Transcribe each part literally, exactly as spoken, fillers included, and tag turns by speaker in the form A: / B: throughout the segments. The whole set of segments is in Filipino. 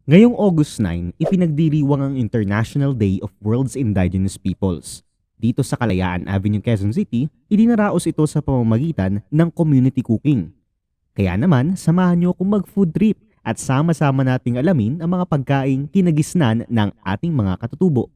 A: Ngayong August nine, ipinagdiriwang ang International Day of World's Indigenous Peoples. Dito sa Kalayaan Avenue, Quezon City, idinaraos ito sa pamamagitan ng community cooking. Kaya naman, samahan niyo akong mag-food trip at sama-sama nating alamin ang mga pagkaing kinagisnan ng ating mga katutubo.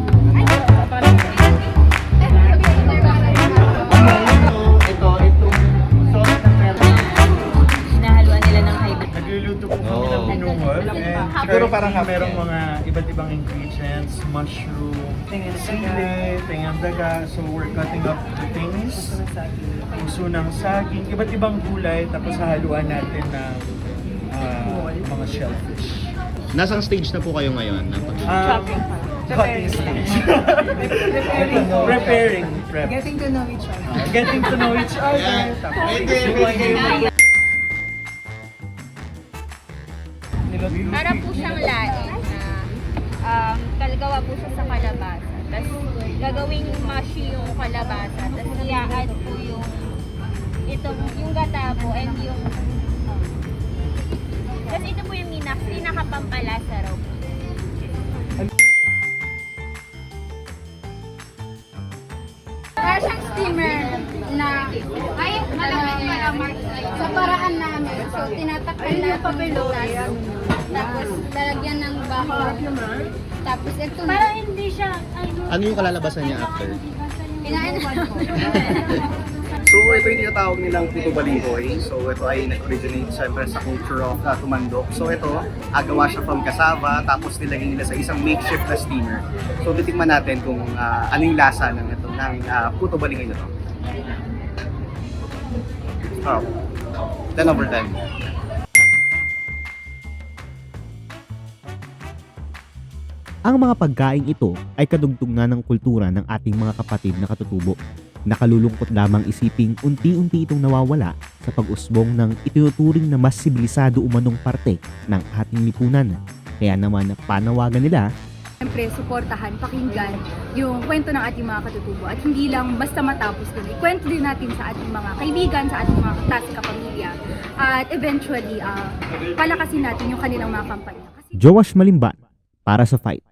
B: Hinahaluan nila ng hybrid.
C: Nagluluto po kami ng binuhol. And siguro parang merong mga iba't ibang ingredients, mushroom, sili, tingang daga. So we're cutting up the things, puso ng saging, iba't ibang gulay. Tapos hahaluan natin ng ah, mga shellfish.
D: Nasang stage na po kayo ngayon? ng pag-
C: Um, cutting stage. Preparing. Prep.
B: Getting to know each other.
C: Ah, getting to know each other. Tapos
E: Para po siyang laing na um, kalagawa po siya sa kalabasa. Tapos gagawing mushy yung kalabasa. Tapos i-add po yung itong yung gata po and yung tapos ito po yung minak, pinakapampalasa raw po.
F: Para siyang steamer na ay malamig malamig sa paraan namin. So tinatakpan natin yung butas. Tapos lalagyan ng bakor. Tapos ito na.
E: Parang hindi siya ano,
D: Ano yung kalalabasan niya after?
F: Kinain na.
G: So ito yung tinatawag nilang puto balinghoy. So ito ay nag-originate siyempre sa culture of uh, tumandok. So ito, agawa siya from cassava, tapos nilagay nila sa isang makeshift na steamer. So titikman natin kung uh, ano yung lasa ng ito, ng uh, puto balinghoy na to. Oh, ten over ten.
A: Ang mga pagkaing ito ay kadugtong ng kultura ng ating mga kapatid na katutubo. Nakalulungkot lamang isiping unti-unti itong nawawala sa pag-usbong ng itinuturing na mas sibilisado umanong parte ng ating lipunan. Kaya naman panawagan nila,
H: Siyempre, suportahan, pakinggan yung kwento ng ating mga katutubo at hindi lang basta matapos din. Ikwento din natin sa ating mga kaibigan, sa ating mga klase kapamilya at eventually, uh, palakasin natin yung kanilang mga kampanya. Kasi
A: Joash Malimban para sa Fight.